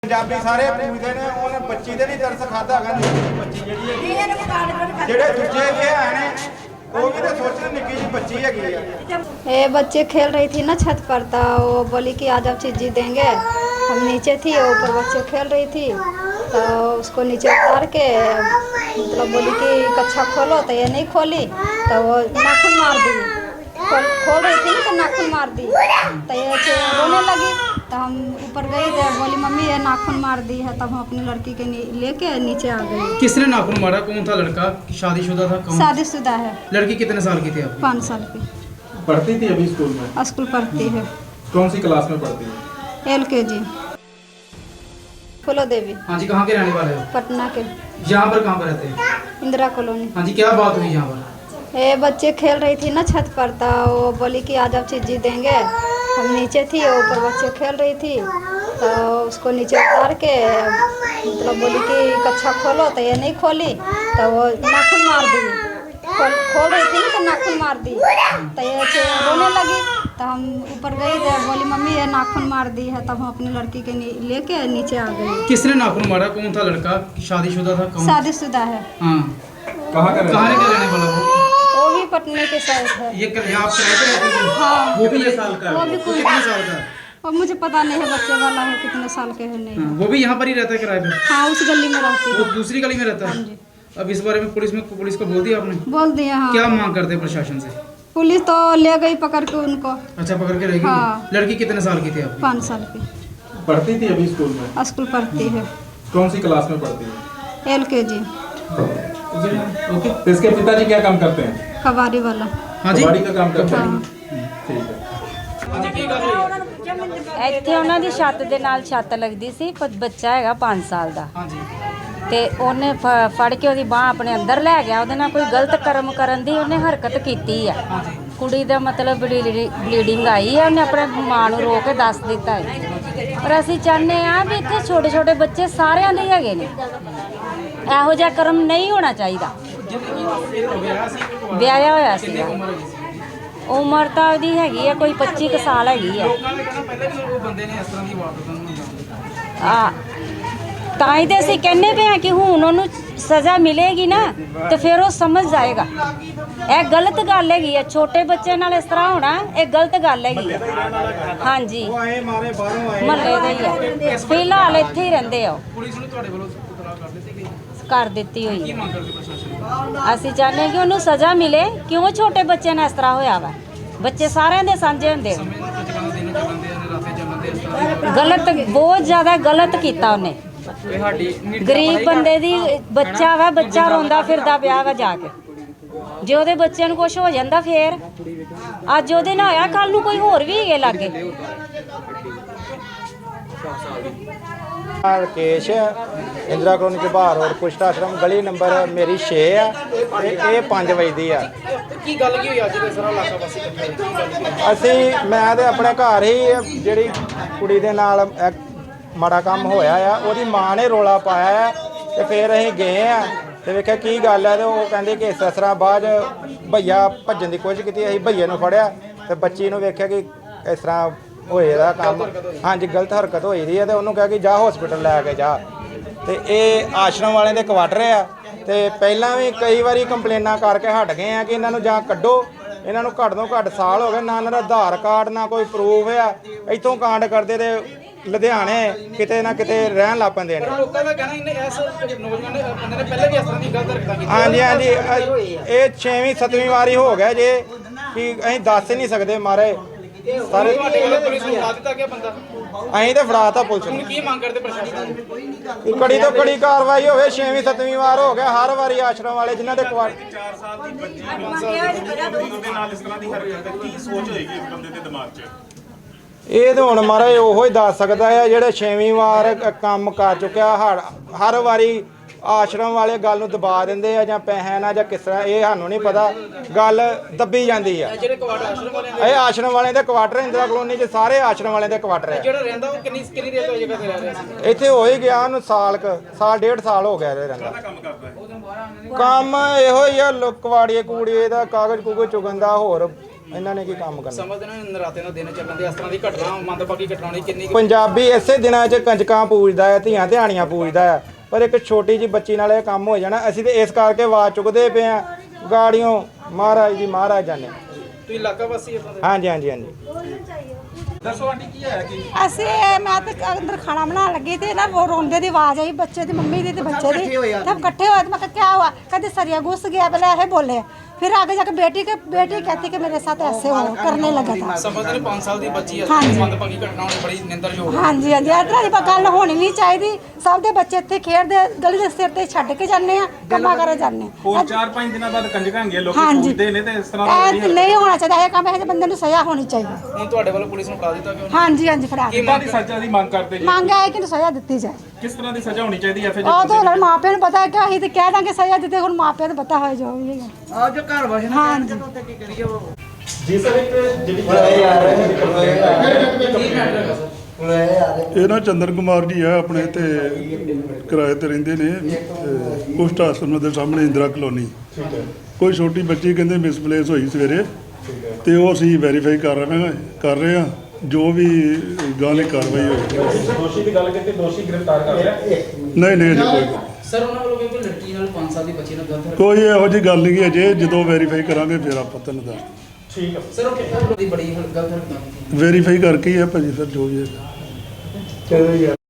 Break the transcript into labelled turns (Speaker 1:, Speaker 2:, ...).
Speaker 1: पंजाबी सारे पूछते ने ਉਹਨੇ ਬੱਚੀ ਦੇ ਨਹੀਂ ਤਰਸ ਖਾਦਾ ਹੈਗਾ ਬੱਚੀ ਜਿਹੜੀ ਹੈ ਜਿਹੜੇ ਦੂਜੇ ਇਹ ਆਣੇ वो भी तो सोचने निक्की जी बच्ची है
Speaker 2: ये बच्चे खेल रही थी ना छत पर, तो वो बोली कि आज आप चीज़ देंगे। हम नीचे थी, ऊपर बच्चे खेल रही थी, तो उसको नीचे उतार के मतलब बोली कि कच्छा खोलो, तो ये नहीं खोली, तो वो नाखून मार दी। खोल रही थी तो नाखून मार दी, तो ये रोने लगी। तो हम ऊपर गए थे, बोली मम्मी ये नाखून मार दी है। तब हम अपनी लड़की के लेके नीचे आ गए।
Speaker 3: किसने नाखून मारा? कौन था लड़का? शादीशुदा था? कौन?
Speaker 2: शादीशुदा है।
Speaker 3: लड़की कितने साल की थी आप?
Speaker 2: 5 साल की।
Speaker 4: पढ़ती थी अभी स्कूल में?
Speaker 2: स्कूल पढ़ती है।
Speaker 4: कौन सी क्लास में पढ़ती है?
Speaker 2: LKG। फूलो देवी।
Speaker 3: हाँ जी, कहाँ के रहने वाले हो?
Speaker 2: पटना के।
Speaker 3: यहाँ पर कहाँ पर रहते हैं?
Speaker 2: इंदिरा कॉलोनी।
Speaker 3: हाँ जी, क्या बात हुई यहाँ पर?
Speaker 2: ये बच्चे खेल रही थी ना छत पर, तो वो बोली कि आज आप चीज़ देंगे। हम नीचे थी, ऊपर बच्चे खेल रही थी, तो उसको नीचे उतार के मतलब बोली कि कच्छा खोलो, तो ये नहीं खोली, तो वो नाखून मार दी। खोल रही थी तो नाखून मार दी, तो ये रोने लगी। तो हम ऊपर गए थे, बोली मम्मी ये नाखून मार दी है। तब हम अपनी लड़की के लेके नीचे आ गए।
Speaker 3: किसने नाखून मारा? कौन था लड़का? शादीशुदा था? कौन?
Speaker 2: शादीशुदा है।
Speaker 3: हाँ,
Speaker 4: कहाँ का
Speaker 3: कहाँ के रहने वाला वो?
Speaker 2: वो भी पटने के साइड है।
Speaker 3: ये यहाँ आप किराए पे रहते थे?
Speaker 2: हाँ,
Speaker 3: वो भी ये साल का?
Speaker 2: वो भी
Speaker 3: वो कितने साल का?
Speaker 2: और मुझे पता नहीं है बच्चे वाला है कितने साल के है नहीं।
Speaker 3: हाँ, वो भी यहाँ पर ही रहता है किराए पे?
Speaker 2: हाँ, उस गली में रहती
Speaker 3: वो
Speaker 2: है।
Speaker 3: दूसरी गली में रहता
Speaker 2: हाँ
Speaker 3: है?
Speaker 2: जी।
Speaker 3: अब इस बारे में पुलिस को बोल दिया आपने?
Speaker 2: बोल दिया। हाँ,
Speaker 3: क्या मांग करते हैं प्रशासन से?
Speaker 2: पुलिस तो ले गई पकड़ के उनको।
Speaker 3: अच्छा, पकड़ के रहेगी?
Speaker 2: हाँ।
Speaker 3: लड़की कितने साल की थी आप?
Speaker 2: 5 साल की।
Speaker 4: पढ़ती थी अभी स्कूल में?
Speaker 2: स्कूल पढ़ती है।
Speaker 4: कौन सी क्लास में पढ़ती है?
Speaker 2: LKG।
Speaker 4: ओके। तो इसके पिताजी क्या काम करते हैं?
Speaker 2: कबाड़ी वाला।
Speaker 3: हाँ जी,
Speaker 4: कबाड़ी का काम करते हैं?
Speaker 2: हाँ।
Speaker 4: ठीक है।
Speaker 5: ਇੱਥੇ ਉਹਨਾਂ ਦੀ ਛੱਤ ਦੇ ਨਾਲ ਛੱਤ ਲੱਗਦੀ ਸੀ, ਪਰ ਬੱਚਾ ਹੈਗਾ 5 ਸਾਲ ਦਾ,
Speaker 3: हाँ जी,
Speaker 5: ਤੇ ਉਹਨੇ ਫੜ ਕੇ ਉਹਦੀ ਬਾਹ ਆਪਣੇ ਅੰਦਰ ਲੈ ਗਿਆ। ਉਹਦੇ ਨਾਲ ਕੋਈ ਗਲਤ ਕਰਮ ਕਰਨ ਦੀ ਉਹਨੇ ਹਰਕਤ ਕੀਤੀ ਆ।
Speaker 3: हाँ जी।
Speaker 5: ਕੁੜੀ ਦਾ ਮਤਲਬ ਬਲੀਡਿੰਗ ਆਈ ਹੈ, ਉਹਨੇ ਆਪਣੇ ਮਾਂ ਨੂੰ ਰੋ ਕੇ ਦੱਸ ਦਿੱਤਾ ਹੈ। ਪਰ ਅਸੀਂ ਚਾਹੁੰਦੇ ਆ ਵੀ ਇੱਥੇ ਛੋਟੇ ਛੋਟੇ ਬੱਚੇ ਸਾਰਿਆਂ ਦੇ ਹੈਗੇ ਨੇ, ਇਹੋ ਜਿਹਾ ਕਰਮ ਨਹੀਂ ਹੋਣਾ ਚਾਹੀਦਾ। ਵਿਆਹਿਆ ਹੋਇਆ ਸੀ, ਉਮਰ ਤਾਂ ਉਹਦੀ ਹੈਗੀ ਆ ਕੋਈ 25 ਕੁ ਸਾਲ ਹੈਗੀ ਆ।
Speaker 3: ਲੋਕਾਂ ਨੇ ਕਹਿਣਾ ਪਹਿਲਾਂ ਵੀ ਉਹ ਬੰਦੇ ਨੇ ਇਸ ਤਰ੍ਹਾਂ ਦੀ ਵਾਰਦਾਤਾਂ ਨੂੰ ਅੰਜਾਮ
Speaker 5: ਆ ਤਾਂ ਹੀ ਤੇ ਅਸੀਂ ਕਹਿੰਦੇ ਪਏ ਹਾਂ ਕਿ ਹੁਣ ਉਹਨੂੰ ਸਜ਼ਾ ਮਿਲੇਗੀ ਨਾ, ਤੇ ਫਿਰ ਉਹ ਸਮਝ ਜਾਏਗਾ। ਇਹ ਗਲਤ ਗੱਲ ਹੈਗੀ ਆ, ਛੋਟੇ ਬੱਚੇ ਨਾਲ ਇਸ ਤਰ੍ਹਾਂ ਹੋਣਾ ਇਹ ਗਲਤ ਗੱਲ ਹੈਗੀ ਆ। ਹਾਂਜੀ,
Speaker 1: आए मारे बाहरों आए
Speaker 5: ਮਹੱਲੇ ਦੇ ਹੀ ਆ, ਫਿਲਹਾਲ ਇੱਥੇ ਹੀ ਰਹਿੰਦੇ ਆ।
Speaker 3: ਪੁਲਿਸ ਨੂੰ ਤੁਹਾਡੇ ਵੱਲੋਂ ਇਤਲਾਹ ਕਰ ਦਿੱਤੀ ਗਈ?
Speaker 5: ਕਰ ਦਿੱਤੀ ਹੋਈ
Speaker 3: ਕੀ
Speaker 5: ਆ।
Speaker 3: ਮੰਗ ਕਰਦੇ ਪ੍ਰਸ਼ਾਸਨ?
Speaker 5: ਅਸੀਂ ਚਾਹੁੰਦੇ ਕਿ ਉਹਨੂੰ ਸਜ਼ਾ ਮਿਲੇ। ਕਿਉਂ ਛੋਟੇ ਬੱਚੇ ਨਾਲ ਇਸ ਤਰ੍ਹਾਂ ਹੋਇਆ ਵਾ? ਬੱਚੇ ਸਾਰਿਆਂ ਦੇ ਸਾਂਝੇ ਹੁੰਦੇ।
Speaker 3: ਸਮੇਂ ਨੂੰ ਚਲਾਉਂਦੇ ਦਿਨ ਚੱਲਦੇ ਆ ਰਾਤੇ ਚੱਲਦੇ ਇਸ ਤਰ੍ਹਾਂ ਦੀ
Speaker 5: ਗਲਤ, ਬਹੁਤ ਜ਼ਿਆਦਾ ਗਲਤ ਕੀਤਾ ਉਹਨੇ।
Speaker 3: ਇਹ ਸਾਡੀ
Speaker 5: ਗਰੀਬ ਬੰਦੇ ਦੀ ਬੱਚਾ ਵਾ, ਬੱਚਾ ਰੋਂਦਾ ਫਿਰਦਾ ਪਿਆ ਵਾ ਜਾ ਕੇ। ਜੇ ਉਹਦੇ ਬੱਚਿਆਂ ਨੂੰ ਕੁਝ ਹੋ ਜਾਂਦਾ ਫੇਰ, ਅੱਜ ਉਹਦੇ ਨਾਲ ਹੋਇਆ, ਕੱਲ ਨੂੰ ਕੋਈ ਹੋਰ ਵੀ ਹੈਗੇ ਲਾਗੇ।
Speaker 1: राकेश इंदिरा कॉलोनी के बाहर और कुष्ठ आश्रम गली नंबर मेरी 6 है ये 5 बजे दी है।
Speaker 3: ਕੀ ਗੱਲ ਕੀ ਹੋਈ ਅੱਜ ਦੇ ਸਾਰਾ ਇਲਾਕਾ ਵਾਸੀ ਇਕੱਠੇ ਹੋਏ? ਕੀ ਗੱਲ ਕੀ ਹੋਈ?
Speaker 1: ਅਸੀਂ ਮੈਂ ਤੇ ਆਪਣੇ ਘਰ ਹੀ ਜਿਹੜੀ ਕੁੜੀ ਦੇ ਨਾਲ ਮਾੜਾ ਕੰਮ ਹੋਇਆ ਆ ਉਹਦੀ ਮਾਂ ਨੇ ਰੋਲਾ ਪਾਇਆ ਆ ਤੇ ਫਿਰ ਅਸੀਂ ਗਏ ਆ ਤੇ ਵੇਖਿਆ ਕੀ ਗੱਲ ਹੈ ਤੇ ਉਹ ਕਹਿੰਦੇ ਕਿ ਇਸ ਤਰ੍ਹਾਂ ਬਾਅਦ ਭਈਆ ਭੱਜਣ ਦੀ ਕੋਸ਼ਿਸ਼ ਕੀਤੀ। ਅਸੀਂ ਭਈਏ ਨੂੰ ਫੜਿਆ ਤੇ ਬੱਚੀ ਨੂੰ ਵੇਖਿਆ ਕਿ ਇਸ ਤਰ੍ਹਾਂ ਹੋਏ ਦਾ ਕੰਮ। ਹਾਂਜੀ, ਗਲਤ ਹਰਕਤ ਹੋਈ ਦੀ ਹੈ ਤੇ ਉਹਨੂੰ ਕਿਹਾ ਕਿ ਜਾ ਹਸਪੀਟਲ ਲੈ ਕੇ ਜਾ। ਤੇ ਇਹ ਆਸ਼ਰਮ ਵਾਲਿਆਂ ਦੇ ਕੁਆਟਰ ਆ ਤੇ ਪਹਿਲਾਂ ਵੀ ਕਈ ਵਾਰੀ ਕੰਪਲੇਨਾਂ ਕਰਕੇ ਹਟ ਗਏ ਆ ਕਿ ਇਹਨਾਂ ਨੂੰ ਜਾਂ ਕੱਢੋ। ਇਹਨਾਂ ਨੂੰ ਘੱਟ ਤੋਂ ਘੱਟ ਸਾਲ ਹੋ ਗਏ, ਨਾ ਇਹਨਾਂ ਦਾ ਆਧਾਰ ਕਾਰਡ ਨਾ ਕੋਈ ਪ੍ਰੂਫ ਆ। ਇੱਥੋਂ ਕਾਂਡ ਕਰਦੇ ਤੇ ਲੁਧਿਆਣੇ ਕਿਤੇ ਨਾ ਕਿਤੇ ਰਹਿਣ ਲੱਗ ਪੈਂਦੇ ਨੇ।
Speaker 3: ਲੋਕਾਂ ਦਾ ਕਹਿਣਾ ਇਹਨੇ ਇਸ ਨੌਜਵਾਨ ਨੇ ਬੰਦੇ ਨੇ ਪਹਿਲਾਂ ਵੀ ਇਸ ਤਰ੍ਹਾਂ ਦੀ ਗਲਤ ਹਰਕਤਾਂ ਕੀਤੀਆਂ।
Speaker 1: ਹਾਂਜੀ ਹਾਂਜੀ, ਇਹ 6ਵੀਂ 7ਵੀਂ ਵਾਰੀ ਹੋ ਗਿਆ ਜੇ ਕਿ ਅਸੀਂ ਦੱਸ ਹੀ ਨਹੀਂ ਸਕਦੇ ਮਾਰੇ ਸਾਰੇ।
Speaker 3: ਤੁਹਾਡੇ ਵੱਲੋਂ ਪੁਲਿਸ ਨੂੰ ਫੜਾ ਦਿੱਤਾ ਗਿਆ ਬੰਦਾ?
Speaker 1: ਅਸੀਂ ਤੇ ਫੜਾਤਾ ਪੁਲਿਸ
Speaker 3: ਹੁਣ
Speaker 1: ਨੂੰ।
Speaker 3: ਕੀ ਮੰਗ ਕਰਦੇ ਪ੍ਰਸ਼ਾਸਨ ਤੋਂ?
Speaker 1: ਕਿ ਕੜੀ ਤੋਂ ਕੜੀ ਕਾਰਵਾਈ ਹੋਵੇ। 6ਵੀਂ 7ਵੀਂ ਵਾਰ ਹੋ ਗਿਆ ਹਰ ਵਾਰੀ ਆਸ਼ਰਮ ਵਾਲੇ ਜਿਨ੍ਹਾਂ ਦੇ ਕੁਆਟਰ
Speaker 6: 4 ਸਾਲ ਦੀ ਬੱਚੀ ਉਹਦੇ ਨਾਲ ਇਸ ਤਰ੍ਹਾਂ ਦੀ ਹਰਕਤ ਹੈ, ਕੀ ਸੋਚ ਹੋਏਗੀ ਇਸ ਬੰਦੇ ਦੇ ਦਿਮਾਗ 'ਚ?
Speaker 1: ਇਹ ਤਾਂ ਹੁਣ ਮਹਾਰਾਜ ਉਹੋ ਹੀ ਦੱਸ ਸਕਦਾ ਹੈ ਜਿਹੜੇ 6ਵੀਂ ਵਾਰ ਕੰਮ ਕਰ ਚੁੱਕਿਆ। ਹਰ ਵਾਰੀ ਆਸ਼ਰਮ ਵਾਲੇ ਗੱਲ ਨੂੰ ਦਬਾ ਦਿੰਦੇ ਆ ਜਾਂ ਪੈਸੇ ਨਾਲ ਜਾਂ ਕਿਸ ਤਰ੍ਹਾਂ, ਇਹ ਸਾਨੂੰ ਨਹੀਂ ਪਤਾ। ਗੱਲ ਦੱਬੀ ਜਾਂਦੀ ਆ।
Speaker 3: ਜਿਹੜੇ ਕੁਆਟਰ ਆਸ਼ਰਮ ਵਾਲੇ
Speaker 1: ਇਹ ਆਸ਼ਰਮ ਵਾਲਿਆਂ ਦੇ ਕੁਆਟਰ ਇੰਦਰਾ ਕਲੋਨੀ 'ਚ ਸਾਰੇ ਆਸ਼ਰਮ ਵਾਲਿਆਂ ਦੇ ਕੁਆਟਰ ਆ।
Speaker 3: ਜਿਹੜਾ ਰਹਿੰਦਾ ਉਹ ਕਿੰਨੀ ਦੇਰ ਤੋਂ ਜਗ੍ਹਾ ਤੇ ਰਹਿ ਰਿਹਾ ਸੀ?
Speaker 1: ਇੱਥੇ ਹੋ ਹੀ ਗਿਆ ਉਹਨੂੰ ਸਾਲ 1.5 ਸਾਲ ਹੋ ਗਿਆ ਰਹਿੰਦਾ।
Speaker 6: ਕੰਮ ਕਰਦਾ ਹੈ?
Speaker 1: ਕੰਮ ਇਹੋ ਹੀ ਆ, ਕਵਾੜੀਏ ਕੂੜੀਏ ਦਾ ਕਾਗਜ਼ ਕੂਗਜ਼ ਚੁਗਣ ਦਾ, ਹੋਰ ਇਹਨਾਂ ਨੇ ਕੀ ਕੰਮ ਕਰਨਾ।
Speaker 3: ਸਮਝਦੇ ਨੇ ਨਰਾਤੇ ਨਾਲ ਦਿਨ ਚੱਲਣ ਦੇ ਇਸ ਤਰ੍ਹਾਂ ਦੀ ਘਟਨਾ ਮੰਦਭਾਗੀ ਘਟਨਾ ਹੋਣੀ ਕਿੰਨੀ
Speaker 1: ਪੰਜਾਬੀ ਇਸੇ ਦਿਨਾਂ 'ਚ ਕੰਜਕਾਂ ਪੂਜਦਾ ਹੈ, ਧੀਆਂ ਧਿਆਣੀਆਂ ਪੂਜਦਾ ਹੈ, ਪਰ ਇੱਕ ਛੋਟੀ ਜੀ ਬੱਚੀ ਨਾਲ ਇਹ ਕੰਮ ਹੋ ਜਾਣਾ। ਅਸੀਂ ਤੇ ਇਸ ਕਰਕੇ ਆਵਾਜ਼ ਚੁੱਕਦੇ ਪਏ ਆ ਗਾੜੀਆਂ ਮਹਾਰਾਜ ਜੀ ਮਹਾਰਾਜ ਜਾਨੇ।
Speaker 3: ਤੁਸੀਂ ਇਲਾਕਾ ਵਾਸੀ ਹੋ?
Speaker 1: ਹਾਂਜੀ ਹਾਂਜੀ ਹਾਂਜੀ।
Speaker 4: ਦੱਸੋ ਆਂਟੀ ਕੀ ਹੈ ਕੀ
Speaker 7: ਅਸੀਂ ਮੈਂ ਤਾਂ ਅੰਦਰ ਖਾਣਾ ਬਣਾਉਣ ਲੱਗੀ ਤੇ ਨਾ ਉਹ ਰੋਂਦੇ ਦੀ ਆਵਾਜ਼ ਆਈ ਬੱਚੇ ਦੀ ਮੰਮੀ ਦੀ ਤੇ ਬੱਚੇ ਦੀ ਸਭ ਇਕट्ठे हुए। तो मैं क्या हुआ कहते सरिया घुस गया पहले ऐसे बोले फिर आगे जाकर बेटी कहती कि मेरे साथ ऐसे हो करने लगा था।
Speaker 3: ਸਮਝਦੇ ਨੇ 5 ਸਾਲ ਦੀ ਬੱਚੀ ਹੈ
Speaker 7: ਹਾਂਜੀ।
Speaker 3: ਮੰਦਭਾਗੀ ਘਟਨਾ ਹੋਣੀ ਬੜੀ ਨਿੰਦਰਯੋਗ ਹੈ।
Speaker 7: हाँ जी हाँ जी इस तरह की गल होनी नहीं चाहिए। सब ਦੇ ਬੱਚੇ ਇੱਥੇ ਖੇਡਦੇ ਗਲੀ ਦੇ ਸਿਰ ਤੇ ਛੱਡ ਕੇ ਜਾਂਦੇ ਆ ਕੰਮਾਂ ਕਰੇ ਜਾਂਦੇ
Speaker 4: ਹੋਰ 4-5 ਦਿਨਾਂ ਬਾਅਦ ਕੰਜਕਾਂ ਹੈਗੀਆਂ ਲੋਕੀ
Speaker 7: ਹਾਂਜੀ।
Speaker 4: ਪੂਜਦੇ ਨੇ ਤੇ ਇਸ ਤਰ੍ਹਾਂ ਦਾ
Speaker 7: ਇਹ ਨਹੀਂ ਹੋਣਾ ਚਾਹੀਦਾ। ਇਹ ਕੰਮ ਇਹ ਬੰਦੇ ਨੂੰ ਸਜ਼ਾ ਹੋਣੀ ਚਾਹੀਦੀ।
Speaker 3: ਹੁਣ ਤੁਹਾਡੇ ਵੱਲੋਂ ਪੁਲਿਸ ਨੂੰ ਫੜਾ ਦਿੱਤਾ ਕਿ
Speaker 7: हाँ जी हाँ जी फड़ा
Speaker 4: ਕਿੰਨਾ ਦੀ ਸਜ਼ਾ ਦੀ ਮੰਗ ਕਰਦੇ ਜੀ?
Speaker 7: ਮੰਗ ਹੈ ਕਿ ਸਜ਼ਾ ਦਿੱਤੀ ਜਾਏ।
Speaker 4: ਕਿਸ ਤਰ੍ਹਾਂ ਦੀ ਸਜ਼ਾ ਹੋਣੀ ਚਾਹੀਦੀ ਹੈ ਫਿਰ
Speaker 7: ਉਹ ਤਾਂ ਹੁਣ ਮਾਪਿਆਂ ਨੂੰ ਪਤਾ ਹੈ ਕਿ ਅਸੀਂ ਤੇ ਕਹਿ ਦਾਂਗੇ ਸਜ਼ਾ ਦਿੱਤੇ ਹੁਣ ਮਾਪਿਆਂ ਨੂੰ ਪਤਾ ਹੋਏ ਜੋ ਵੀ ਹੈਗਾ।
Speaker 3: ਆ ਜੋ ਘਰ ਵਸਣਾ
Speaker 7: ਹਾਂ ਜੀ
Speaker 3: ਕੀ ਕਰੀਏ ਉਹ
Speaker 4: ਜੀ ਸਰ ਇੱਕ ਜਿਹੜੀ
Speaker 8: ਇਹ ਨਾ ਚੰਦਰ ਕੁਮਾਰ ਜੀ ਆ ਆਪਣੇ ਤੇ ਕਿਰਾਏ ਤੇ ਰਹਿੰਦੇ ਨੇ ਕੁਸ਼ਟ ਆਸ਼ਰਮ ਦੇ ਸਾਹਮਣੇ ਇੰਦਰਾ ਕਲੋਨੀ। ਕੋਈ ਛੋਟੀ ਬੱਚੀ ਕਹਿੰਦੇ ਮਿਸਪਲੇਸ ਹੋਈ ਸਵੇਰੇ ਤੇ ਉਹ ਅਸੀਂ ਵੈਰੀਫਾਈ ਕਰ ਰਹੇ ਹਾਂ ਜੋ ਵੀ ਗਾਲੀ ਕਾਰਵਾਈ ਹੋਈ।
Speaker 4: ਦੋਸ਼ੀ ਦੀ ਗੱਲ ਕੀਤੀ ਦੋਸ਼ੀ ਗ੍ਰਿਫਤਾਰ ਕਰ ਲਿਆ?
Speaker 8: ਨਹੀਂ ਅਜੇ ਕੋਈ
Speaker 3: ਸਰ ਉਹਨਾਂ ਵੱਲੋਂ ਕੋਈ ਲੜਕੀ ਨਾਲ 5 ਸਾਲ ਦੀ ਬੱਚੀ ਨਾਲ ਗਲਤ
Speaker 8: ਕੋਈ ਇਹੋ ਜਿਹੀ ਗੱਲ ਨਹੀਂ ਅਜੇ ਜਦੋਂ ਵੈਰੀਫਾਈ ਕਰਾਂਗੇ ਫਿਰ ਆਪਾਂ ਤੁਹਾਨੂੰ ਦੱਸ
Speaker 4: ਠੀਕ ਹੈ
Speaker 3: ਸਰ ਉਹ ਕਿੰਨਾ ਦੀ ਬੜੀ ਗਲਤ ਹਰਕਤ ਕੀਤੀ
Speaker 8: ਵੈਰੀਫਾਈ ਕਰਕੇ ਹੀ ਆ ਭਾਜੀ ਫਿਰ ਜੋ ਵੀ ਹੈ।